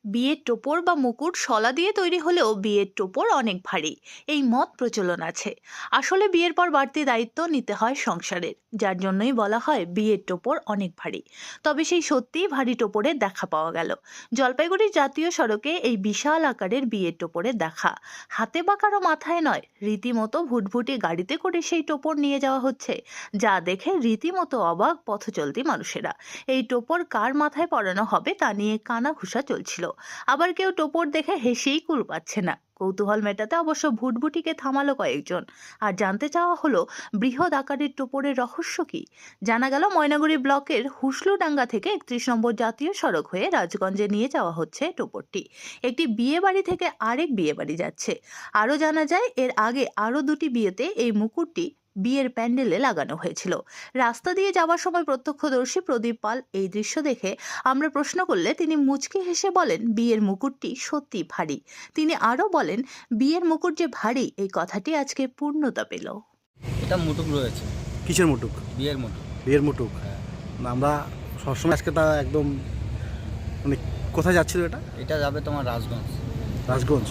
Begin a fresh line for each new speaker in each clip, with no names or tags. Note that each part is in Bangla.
বিয়ের টোপর বা মুকুট শলা দিয়ে তৈরি হলেও বিয়ের টোপর অনেক ভারী, এই মত প্রচলন আছে। আসলে বিয়ের পর বাড়তি দায়িত্ব নিতে হয় সংসারের, যার জন্যই বলা হয় বিয়ের টোপর অনেক ভারী। তবে সেই সত্যিই ভারী টোপরের দেখা পাওয়া গেল জলপাইগুড়ির জাতীয় সড়কে। এই বিশাল আকারের বিয়ের টোপরের দেখা হাতে বা কারো মাথায় নয়, রীতিমতো ভুটভুটি গাড়িতে করে সেই টোপর নিয়ে যাওয়া হচ্ছে, যা দেখে রীতিমতো অবাক পথচলতি মানুষেরা। এই টোপর কার মাথায় পরানো হবে তা নিয়ে কানাঘুষা চলছিল। আবার কেউ টোপর দেখে হেসেই কুল পাচ্ছে না। কৌতূহল মেটাতে অবশ্য ভুটভুটিকে থামালো কয়েকজন। আর জানতে চাওয়া হলো, বৃহৎ আকারের টোপরের রহস্য কি। জানা গেল, ময়নাগুড়ি ব্লকের হুসলুডাঙ্গা থেকে 31 নম্বর জাতীয় সড়ক হয়ে রাজগঞ্জে নিয়ে যাওয়া হচ্ছে টোপরটি। একটি বিয়ে বাড়ি থেকে আরেক বিয়ে বাড়ি যাচ্ছে। আরও জানা যায়, এর আগে আরও দুটি বিয়েতে এই মুকুটটি বিয়ের প্যান্ডেলে লাগানো হয়েছিল। রাস্তা দিয়ে যাওয়ার সময় প্রত্যক্ষদর্শী প্রদীপ পাল এই দৃশ্য দেখে আমরা প্রশ্ন করলে তিনি মুচকি হেসে বলেন, বিয়ের মুকুটটি সত্যি ভারী। তিনি আরও বলেন, বিয়ের মুকুট যে ভারী, এই কথাটি আজকে পূর্ণতা পেল।
এটা মুটুক রয়েছে।
কিসের মুটুক?
বিয়ের মুটুক।
বিয়ের মুটুক।
হ্যাঁ।
না, আমরা সবসময় আজকে তা একদম মানে কোথায় যাচ্ছিল এটা?
এটা যাবে তোমার রাজগঞ্জ।
রাজগঞ্জ।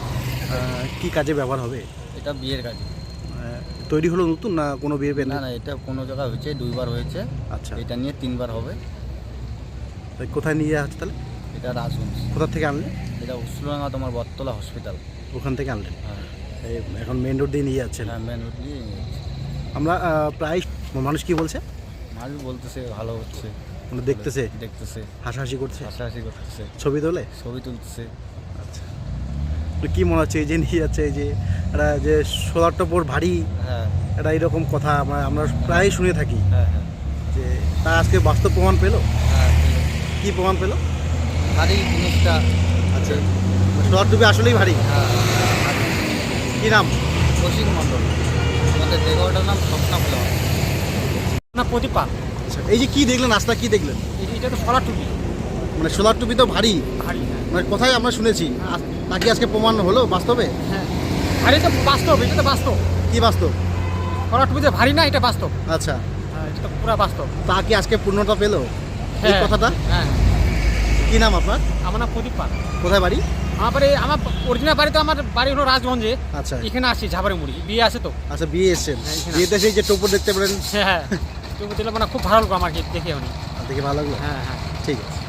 কি কাজে ব্যবহার হবে?
এটা বিয়ের কাজে।
তৈরি হলো নতুন না কোনো বিয়ে
না
প্যান্ডেল?
না, এটা কোনো জায়গায় হয়েছে, 2বার হয়েছে।
আচ্ছা,
এটা নিয়ে 3বার হবে।
তাই কোথায় নিয়ে যাওয়া হচ্ছে তাহলে?
এটা রাজগঞ্জ।
কোথা থেকে আনলেন?
এটা উসলুডাঙ্গা তোমার বটতলা হসপিটাল।
ওখান থেকে আনলেন?
হ্যাঁ
এই এখন মেন রোড দিয়ে নিয়ে যাচ্ছেন?
হ্যাঁ, মেন রোড দিয়ে নিয়ে যাচ্ছে।
আমরা প্রায় মানুষ কি বলছে?
মানুষ বলতেছে ভালো হচ্ছে,
মানে দেখতেছে,
দেখতেছে,
হাসাহাসি করছে,
হাসাহাসি করতেছে,
ছবি তোলে।
ছবি তুলতেছে।
আচ্ছা, তো কি মনে হচ্ছে এই যে নিয়ে যাচ্ছে, এই যে এটা যে সোলার টোপর ভারী,
হ্যাঁ
এটা এইরকম কথা আমরা প্রায় শুনে থাকি,
হ্যাঁ হ্যাঁ
যে তা আজকে বাস্তব প্রমাণ পেলো?
হ্যাঁ।
কি প্রমাণ পেলো?
ভারী জিনিসটা।
আচ্ছা, সোলার টুপি আসলেই ভারী।
হ্যাঁ,
কি নাম?
কৌশিক মণ্ডল। আমাদের দেগরটার নাম স্বপ্না বলে হয়
না, প্রদীপা।
আচ্ছা, এই যে কি দেখলেন, রাস্তা কি দেখলেন?
এটা তো সরা টুপি,
মানে সোলার টুপি তো ভারী,
ভারী। হ্যাঁ
মানে কোথায় আমরা শুনেছি, নাকি আজকে প্রমাণ হলো বাস্তবে?
হ্যাঁ, ভারী তো বাস্তব, এটা তো বাস্তব।
কি বাস্তব?
সরা টুপি যে ভারী না, এটা বাস্তব।
আচ্ছা,
হ্যাঁ, এটা তো পুরা বাস্তব।
তা কি আজকে পূর্ণতা পেলো এই
হ্যাঁ,
কথাটা?
হ্যাঁ।
কি নাম আপনার?
আমার নাম প্রদীপা।
কোথায় বাড়ি?
আমার অরিজিনাল বাড়ি তো আমার বাড়ি হলো রাজগঞ্জে।
আচ্ছা
এখানে আসছি ঝাবারে মুড়ি, বিয়ে আছে তো।
আচ্ছা, বিয়ে এসছেন?
হ্যাঁ, এখানে
বিয়েতে সেই যে টোপর দেখতে পেলেন,
হ্যাঁ হ্যাঁ, টুপি দিলে মানে খুব ভালো লাগলো আমার দেখে উনি।
দেখে ভালো লাগলো।
হ্যাঁ হ্যাঁ।
ঠিক আছে।